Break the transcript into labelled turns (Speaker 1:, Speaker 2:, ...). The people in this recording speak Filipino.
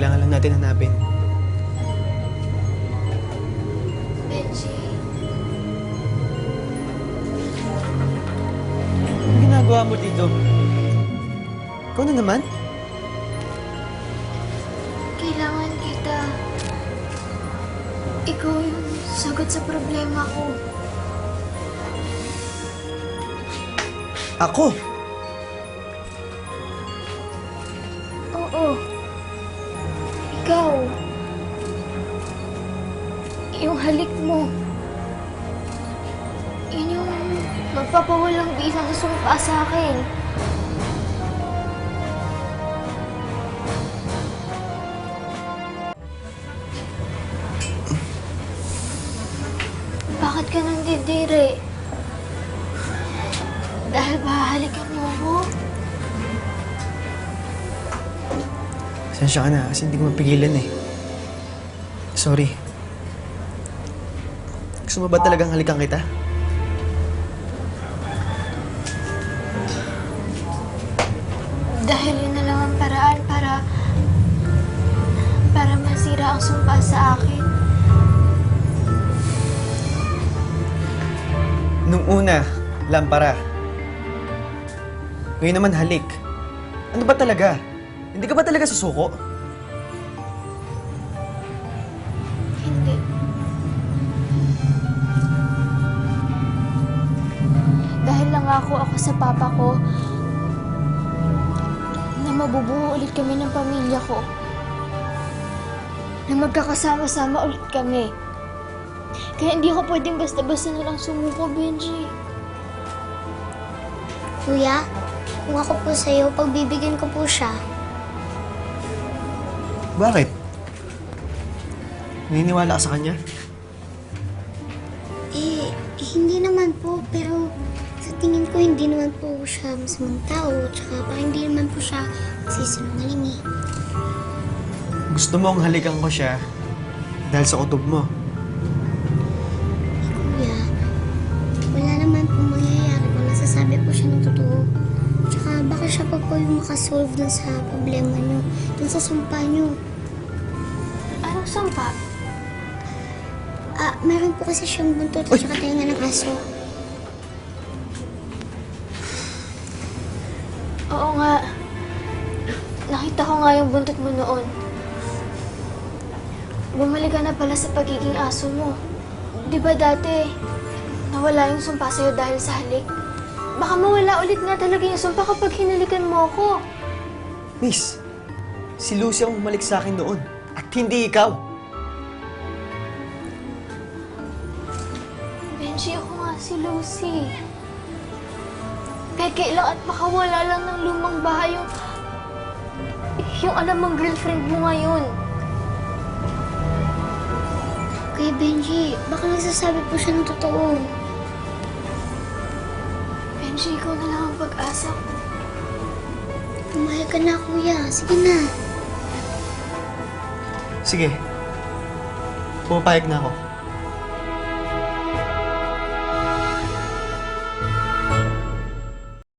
Speaker 1: kailangan lang natin hanapin.
Speaker 2: Benji?
Speaker 1: Anong ginagawa mo dito? Ikaw na naman?
Speaker 2: Kailangan kita. Ikaw yung sagot sa problema ko.
Speaker 1: Ako?
Speaker 2: Oo. Ikaw. Yung halik mo. Yun yung magpapawalang bisa na sumpa sa akin. Bakit ka nandidiri? Dahil bahalikan mo ako?
Speaker 1: Pasensya ka na kasi hindi ko mapigilan eh. Sorry. Gusto mo ba talagang halikan kita?
Speaker 2: Dahil yun na lang ang paraan para masira ang sumpa sa akin.
Speaker 1: Nung una, lampara. Ngayon naman halik. Ano ba talaga? Hindi ka ba talaga susuko?
Speaker 2: Hindi. Dahil nangako ako sa papa ko na mabubuo ulit kami ng pamilya ko. Na magkakasama-sama ulit kami. Kaya hindi ako pwedeng basta-basta na lang sumuko, Benji.
Speaker 3: Kuya, kung ako po sa'yo, pagbibigyan ko po siya.
Speaker 1: Bakit? Naniniwala ka sa kanya?
Speaker 3: Hindi naman po, pero sa tingin ko hindi naman po siya masamang tao, tsaka parang hindi naman po siya sisinungaling eh.
Speaker 1: Gusto mong halikan ko siya dahil sa kutob mo.
Speaker 3: Kuya, wala naman po mangyayari kung nasasabi po siya ng totoo. Tsaka baka siya pa po yung makasolve dun sa problema niyo, dun sa sumpa niyo.
Speaker 2: Anong sumpa?
Speaker 3: Meron po kasi siyang buntot at saka tainga ng aso.
Speaker 2: Oo nga. Nakita ko nga yung buntot mo noon. Bumalik ka na pala sa pagiging aso mo. Di ba dati, nawala yung sumpa sa'yo dahil sa halik? Baka mawala ulit nga talaga yung sumpa kapag hinalikan mo ako.
Speaker 1: Miss, si Lucy ang bumalik sa akin noon at hindi ikaw.
Speaker 2: Benji, ako nga si Lucy. Peke lang at makawala lang ng lumang bahay yung alam mong girlfriend mo ngayon.
Speaker 3: Kuya Benji, baka nagsasabi po siya ng totoo.
Speaker 2: Benji, ikaw na lang ang pag-asa ko.
Speaker 3: Pumayag ka na, kuya. Sige na.
Speaker 1: Sige. Pumapayag na ako.